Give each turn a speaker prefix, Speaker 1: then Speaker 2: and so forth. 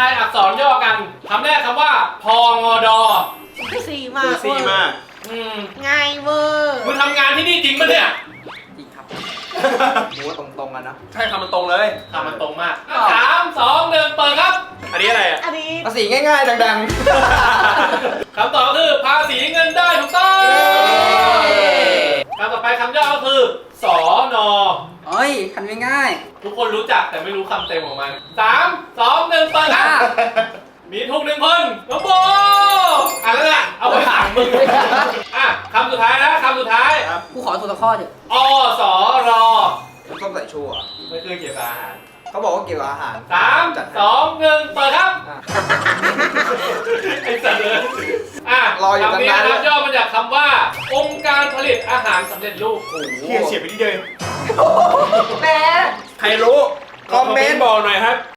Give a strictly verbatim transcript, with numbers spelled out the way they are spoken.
Speaker 1: ายอักษรย่อกันคำแรกคำว่าพองอดอ
Speaker 2: สี่มาก
Speaker 3: ซีมาก
Speaker 1: อืม
Speaker 2: ง่ายเวอร์
Speaker 1: มึงทำงานที่นี่จริงปะเนี่ย
Speaker 4: จริงครับ
Speaker 3: โหตรงๆกันนะ
Speaker 4: ใช่คำมันตรงเลย
Speaker 1: ทำมันตรงมากสามสองหนึ่งเปิดครับ
Speaker 4: อันนี้อะไรอ่ะ
Speaker 2: อันนี้
Speaker 3: ภาษีง่ายๆ ดัง
Speaker 1: คำตอบคือภาษีเงินได้ถูกต้องคำต่อไปคำย่อก็คือสอนอ
Speaker 4: เอ้ยคันง่าย
Speaker 1: ทุกคนรู้จักแต่ไม่รู้คำเต็มของมันสามสองหนึ่งเปิดครับมีทุกหนึ่งคนน้องโบอ่ะแล้วน่ะเอาไปสั่งมึงอ่ะคำสุดท้ายนะคำสุดท้าย
Speaker 3: ๆครับ
Speaker 4: ๆกูขอตัวละข้อเถอะ
Speaker 1: อสอรอ
Speaker 3: น้ำส้มสายชูอ่ะ
Speaker 1: ไม่คือเกี่ยวกับอาหาร
Speaker 3: เขาบอกว่าเกี่ยวกับอาหาร
Speaker 1: สาม
Speaker 3: จัดให้
Speaker 1: สองหนึ่งเปิดครับ
Speaker 3: อ่ะ
Speaker 1: ไอ้สัตว์เลยอ่ะ
Speaker 3: รออยู่
Speaker 1: คำนี้
Speaker 3: ตั้งนาน
Speaker 1: นะครับย่อมาจากคำว่า องค์การผลิตอาหารสำเร็จรูป
Speaker 3: โอ้โห
Speaker 5: เฮียเฉียบไปที่เดิม
Speaker 2: แหม
Speaker 3: ใครรู้ คอมเมนต์บอกหน่อยครับ